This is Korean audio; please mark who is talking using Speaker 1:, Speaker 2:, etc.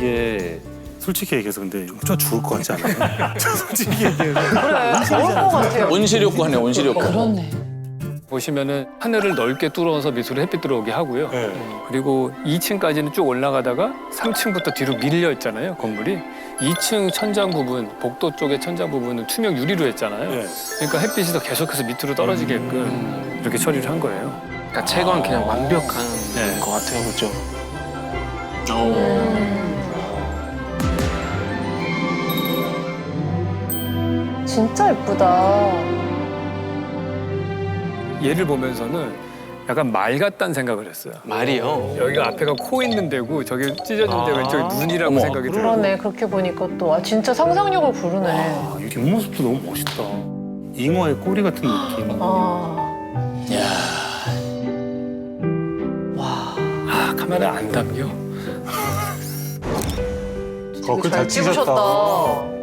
Speaker 1: 이게 솔직히 얘기해서 근데 좀 죽을 것 같지 않아요? 솔직히 얘기해서.
Speaker 2: 그래, 좋을 것 같아요.
Speaker 3: 온실효과네, 온실효과.
Speaker 2: 그렇네.
Speaker 4: 보시면은 하늘을 넓게 뚫어서 밑으로 햇빛 들어오게 하고요.
Speaker 1: 네.
Speaker 4: 그리고 2층까지는 쭉 올라가다가 3층부터 뒤로 밀려 있잖아요, 건물이. 2층 천장 부분, 복도 쪽의 천장 부분은 투명 유리로 했잖아요.
Speaker 1: 네.
Speaker 4: 그러니까 햇빛이 더 계속해서 밑으로 떨어지게끔 이렇게 처리를 한 거예요.
Speaker 5: 그러니까 채광 그냥 완벽한
Speaker 4: 네.
Speaker 5: 것 같아요, 그렇죠?
Speaker 2: 진짜 예쁘다.
Speaker 4: 얘를 보면서는 약간 말 같다는 생각을 했어요.
Speaker 5: 말이요.
Speaker 4: 여기가 앞에가 코 있는 데고 저기 찢어진 데 왼쪽이 눈이라고
Speaker 3: 어머,
Speaker 4: 생각이 들어요.
Speaker 2: 그러네, 그렇게 보니까 또. 아, 진짜 상상력을 부르네.
Speaker 1: 아, 이 뒷모습도 너무 멋있다. 잉어의 꼬리 같은 느낌.
Speaker 2: 아,
Speaker 4: 아, 카메라 안 담겨.
Speaker 2: 되게 잘 찍으셨다.